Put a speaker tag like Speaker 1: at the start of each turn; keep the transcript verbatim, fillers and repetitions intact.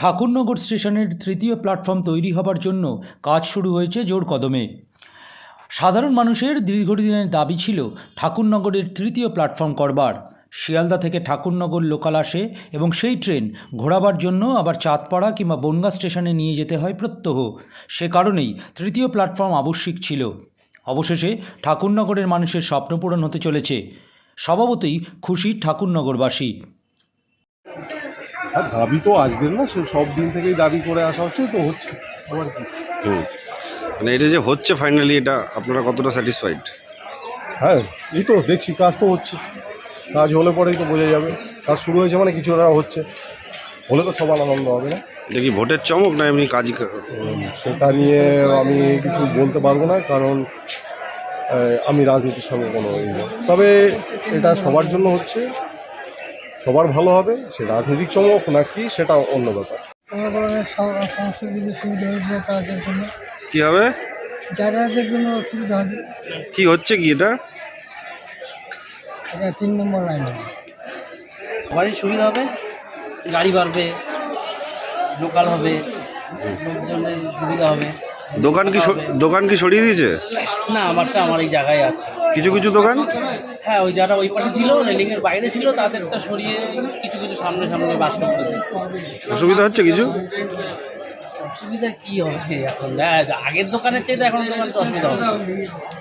Speaker 1: ঠাকুরনগর স্টেশনের তৃতীয় প্ল্যাটফর্ম তৈরি হবার জন্য কাজ শুরু হয়েছে জোর কদমে। সাধারণ মানুষের দীর্ঘদিনের দাবি ছিল ঠাকুরনগরের তৃতীয় প্ল্যাটফর্ম করবার। শিয়ালদা থেকে ঠাকুরনগর লোকাল আসে এবং সেই ট্রেন ঘোরাবার জন্য আবার চাঁদপাড়া কিংবা বনগাঁ স্টেশনে নিয়ে যেতে হয় প্রত্যহ। সে কারণেই তৃতীয় প্ল্যাটফর্ম আবশ্যিক ছিল। অবশেষে ঠাকুরনগরের মানুষের স্বপ্ন পূরণ হতে চলেছে। স্বভাবতই খুশি ঠাকুরনগরবাসী।
Speaker 2: আর দাবি তো আসবেন না, সে সব দিন থেকেই দাবি করে আসা হচ্ছে, তো হচ্ছে আবার কি।
Speaker 3: হুম মানে এটা যে হচ্ছে ফাইনালি, এটা আপনারা কতটা স্যাটিসফাইড?
Speaker 2: হ্যাঁ, এই তো দেখছি কাজ তো হচ্ছে, কাজ হলে পরেই তো বোঝা যাবে। কাজ শুরু হয়েছে মানে কিছু একটা হচ্ছে, হলে তো সবার আনন্দ হবে না।
Speaker 3: এটা কি ভোটের চমক না এমনি কাজ?
Speaker 2: উম, সেটা নিয়ে আমি কিছু বলতে পারবো না, কারণ আহ, আমি রাজনীতির সঙ্গে কোনো ই নেই। তবে এটা সবার জন্য হচ্ছে, সবার ভালো হবে। সে রাজনৈতিক চমক নাকি সেটা অন্য ব্যাপার।
Speaker 4: কোনো ধরনের সম- সমস্ত কিছু সুবিধা হয়েছে তাদের জন্য,
Speaker 3: কি হবে?
Speaker 4: যাতায়াতের জন্য সুবিধা হবে।
Speaker 3: কি হচ্ছে কি এটা?
Speaker 4: এটা তিন নম্বর লাইন হবে।
Speaker 5: সবারই সুবিধা হবে, গাড়ি বাড়বে, লোকাল হবে, লোকজনের সুবিধা হবে।
Speaker 3: দোকান কি স- দোকান কি সরিয়ে দিয়েছে?
Speaker 5: না, আমারটা আমার এই জায়গায় আছে।
Speaker 3: কিছু কিছু দোকান?
Speaker 5: হ্যাঁ, ওই যারা ওই পাশে ছিল, রেলিংয়ের বাইরে ছিল, তাদেরটা সরিয়ে কিছু কিছু সামনে সামনে বাস করেছে।
Speaker 3: অসুবিধা হচ্ছে কিছু?
Speaker 5: অসুবিধা কী হবে এখন? হ্যাঁ, আগের দোকানের চাইতে এখন দোকানে তো অসুবিধা হবে।